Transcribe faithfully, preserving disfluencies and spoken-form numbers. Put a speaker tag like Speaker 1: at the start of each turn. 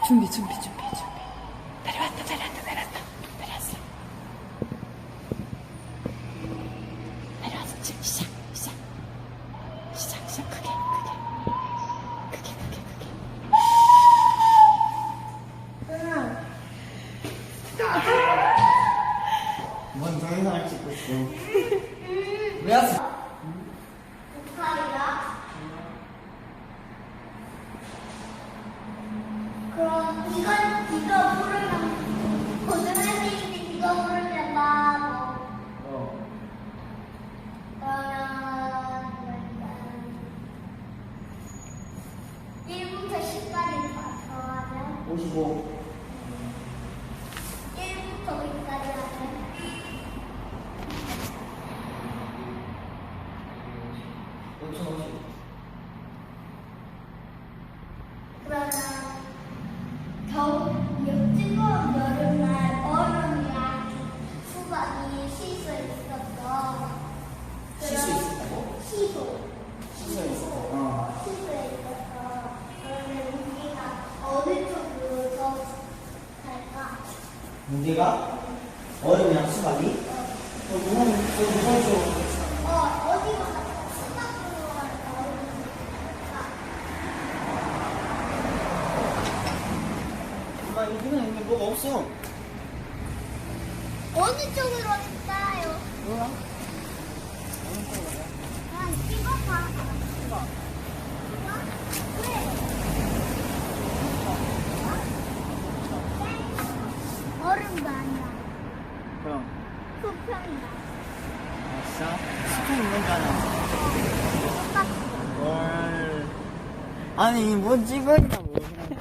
Speaker 1: 준비, 준비, 준비, 준비. 내려왔다, 내려왔다, 내려왔다. 내려왔어. 내려와서 지금 시작, 시작. 시작, 시작. 크게, 크게. 크게, 크게, 크게.
Speaker 2: 뭔 동영상을 찍고 있어? 왜 왔어?
Speaker 3: 그럼 이건 이거 부르면 고등학생인데 이거 부르면 바보.
Speaker 2: 어.
Speaker 3: 그러면 일부터 십까지 다 더하면
Speaker 2: 오십오.
Speaker 3: 일부터 백까지 하면
Speaker 2: 오천오십.
Speaker 3: 그러면 겨울 뜨거운 여름날 얼음이랑 수박이 쉴 수 있었어.
Speaker 2: 쉴 수 있었다고?
Speaker 3: 시소.
Speaker 2: 쉴 수 있었어. 어.
Speaker 3: 시소에 있었어. 그러면 우리가 어느 쪽으로 더 갈까?
Speaker 2: 문제가 얼음이랑 수박이? 어, 무거운, 어, 무거운 쪽.
Speaker 3: 어, 어디로 갈까? 수박으로 갈까? 얼음으로 갈까?
Speaker 2: 엄마, 여기는 여기 뭐가 없어.
Speaker 3: 어느 쪽으로 갈까요?
Speaker 2: 몰라?
Speaker 3: 아, 찍어봐. 찍어. 왜? 얼음도 아니야.
Speaker 2: 그럼.
Speaker 3: 수평이야.
Speaker 2: 아싸. 스푼 있는 줄 아나.
Speaker 3: 똑같아.
Speaker 2: 헐. 아니, 뭐 찍어 있다고.